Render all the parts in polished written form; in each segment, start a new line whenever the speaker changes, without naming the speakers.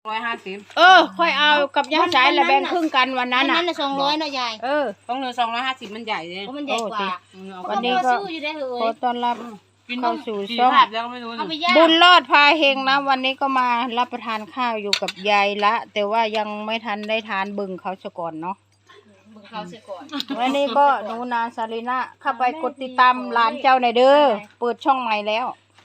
ค่อยเอากับย่าสายและแบ่งครึ่งกันวันนั้นน่ะ
200เนาะยาย
ต้องเหลือ250มันใหญ่เลย
มันใหญ่กว่า
วันนี้ก็ขอต้อนรับเข้าสู่ช่องบุญรอดพาเฮงนะวันนี้ก็มารับประทานข้าวอยู่กับยายละแต่ว่ายังไม่ทันได้ทานบึงเขาซะก่อนเนาะวันนี้ก็หนูนาซาลิน่าเข้าไปกดติดตามร้านเจ้าหน่อยเด้อเปิดช่องใหม่แล้ว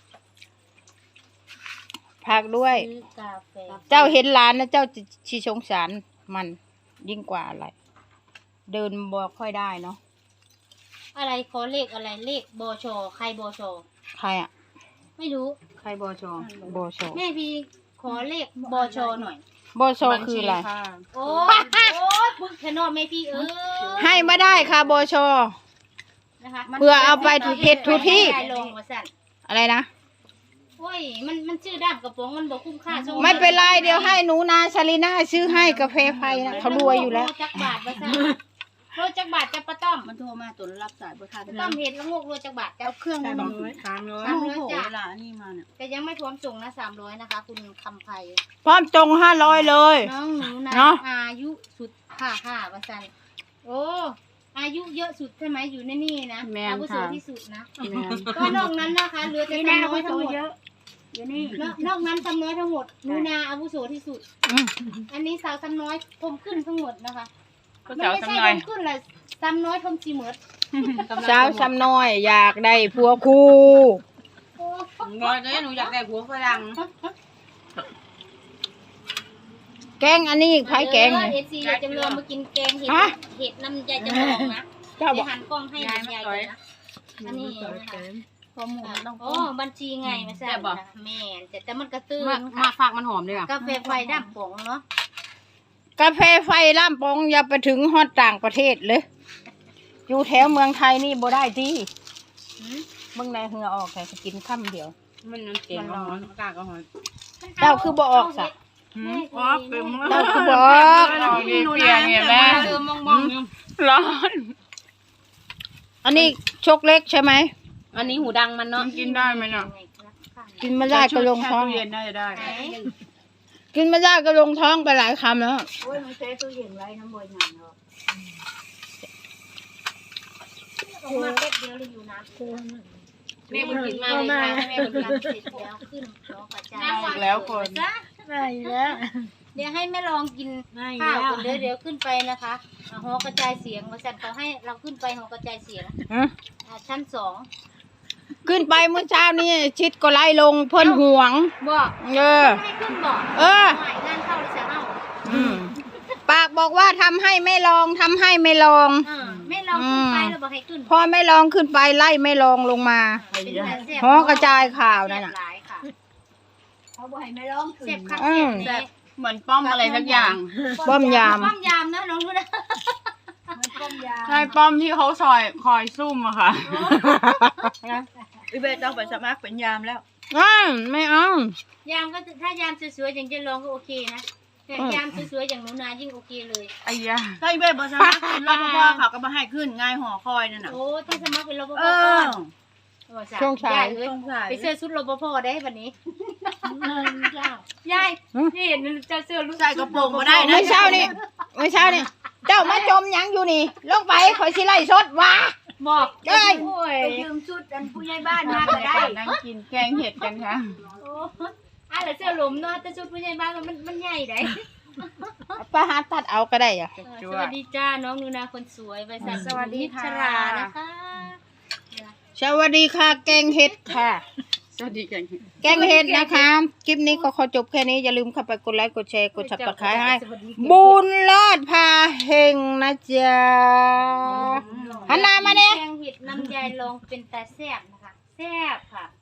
พักด้วยเจ้าเห็นร้านนะเจ้าชีสงสารมันยิ่งกว่าอะไรเดินบ่ค่อยได้เนาะ
อะไรขอเลขอะไรเลขบชใครบช
ใครอ่ะ
ไม่รู้
ใครบช
แม่พี่ขอเลขบชหน่อย
บชคืออะไร
โอ้บึกแคนอแม่พี่
ให้ไม่ได้ค่ะบชนะคะเพื่อเอาไปถูเพชรถูที่อะไรนะ
โอ้ยมันชื่อด้ามกระป๋องมันบอกคุ้มค่า
ไม่เป็นไรเดี๋ยวให้หนูนาซาลิน่าซื้อให้กาแฟไฟนะเขารวยอยู่แล้ว
จักบาทมาซะโรจักบาทจะป้าต้อม
มันโทรมาตัวรับสายบ่ทัน
ต้อมเห็นละงกโรจักบาท
เอาเครื่องมา300จ้ะเวลานี่มาเนี่ย
แต่ยังไม่พร้อมส่งนะ300นะคะคุณคำไพ
พร้อมจง500เลย
น้องหนูนะอายุสุดค่ะว่าซั่นโอ้อายุเยอะสุดใช่ไหมอยู่ในนี่นะอาวุโสที่สุดนะก็นอกนั้นนะคะเหลือแต่น้อยทั้งหมดอยู่นี่นอกนั้นซ้ำน้อยทั้งหมดหนูนาอาวุโสที่สุดอันนี้สาวซ้ำน้อยทมขึ้นทั้งหมดนะคะไม่ใช่ทมขึ้นแหละซ้ำน้อยทมจีเหมิด
สาวซ้ำน้อยอยากได้ผัวคู่
น้อยเลยหนูอยากได้ผัวฝรั่ง
แกงอันนี้ไผ่แกง
เอซีจะเรือมากินแกงเห็ดน้ำยายจะบอกนะจะหันกล้องให้ยายนะอันนี้ข้อมูลต้องบัญชีไงไม่ใช่แม่แต่มันกระตื้น
มาฝากมันหอมด้วย
กาแฟไฟด้ามป๋องเนาะ
กาแฟไฟล่ามปองอย่าไปถึงฮอดต่างประเทศเลยอยู่แถวเมืองไทยนี่บ่ได้ที่เมืองในเหือออกแต่กินค่ำเดียว
มันเก่งร้อนอากาศก็ร้อน
เจ้าคือบ่ออกสักเจ้าคือบ่ออก
เปียกเนี่ยแม่ร้อน
อันนี้ชกเล็กใช่ไหม
อันนี้หูดังมันเนาะกินได้ไหมเนาะ
กินไม่ได้ก็ลงท้อง
เย็นน่าจะได้
กินไม่ได้ก็ลงท้องไปหลายคำแล้ว
โอ้ยมันใช้ตู้เย็นไว้น้ำบวยหนังเนาะออกมาเป๊ะเดียวเลยอยู่น้ำแม่บุญกินมาเลยค่ะแม่บุญกินเสร็จแล้วขึ้นน้องกระจาย
แล้วคน
ได้แล้ว
เดี๋ยวให้แม่ลองกินข้าวก่อนเดี๋ยวขึ้นไปนะคะหอกระจายเสียงบริษัทเขาให้เราขึ้นไปหอกระจายเสียงชั้น2
ขึ้นไปเมื่อเช้านี้ชิดก็ไล่ลงเพิ่นห่วง
บอกให้ขึ้นบอกงานเข้าเลยเสียเอา
ปากบอกว่าทำให้ไม่ลองทำให้ไม่ลอง
ไม่ลองขึ้นไปแล้วบอกให้ขึ้น
พอไม่ลองขึ้นไปไล่ไม่ลองลงมาหอกระจายข่าวนั่นน่ะ
เขาบอกให้ไม่ลองเจ็บคักเจ็บ
เหมือนป้อมอะไรสักอย่าง
ป้อมยาม
นะน้องรู้นะ
ใช่ป้อมที่เขาคอยซุ่มอะค่ะ
อีเบสต้องไปสมัครเป็นยามแล้วไม่เอา
ยามก็ถ้ายามสวยๆอย่างเจนลองก็โอเคนะแต่ยามสวยๆอย่างหนูนายิ่งโอเคเลย
ไอ้ยา
ถ้าอีเบสบอสมัครเป็นรปภเขาก็มาให้ขึ้นง่ายห่อคอยนั่นน่ะ
โอ้ถ้าสมัครเป็นรปภ
ช่วงชาย
ไปเสื้อชุดรปภได้วันนี้ยายนี่เห็นจะเสื้อลูก
ใส่กระโปรงมาได้นะไม่เช้านี่เจ้ามาจมยังอยู่นี่ลงไปคอยสิไล่สดวะ
บอกได้ไปยืมชุดกันผู้ใหญ่บ้านมาก็ได้
นั่งกินแกงเห็ดกันค่ะ
อะไรเสื้อหลุมเนาะแต่ชุดผู้ใหญ่บ้านมันใหญ่ได้
ป้าหาตัดเอาก็ได้อะ
สวัสดีจ้าน้องนูนาคนสวยไปสวัสดีชรานะคะ
สวัสดีค่ะแกงเห็ดค่ะ
สวัสดีแกง
เห็ดนะคะคลิปนี้ก็ขอจบแค่นี้อย่าลืมเข้าไปกดไลค์กดแชร์กดซับสไครบ์ให้บุญรอดพาเฮงนะจ๊ะหันหน้ามาเนี่ย
แกงเห็ดน้ำยายลองเป็นตาแซ่บนะคะแซ่บค่ะ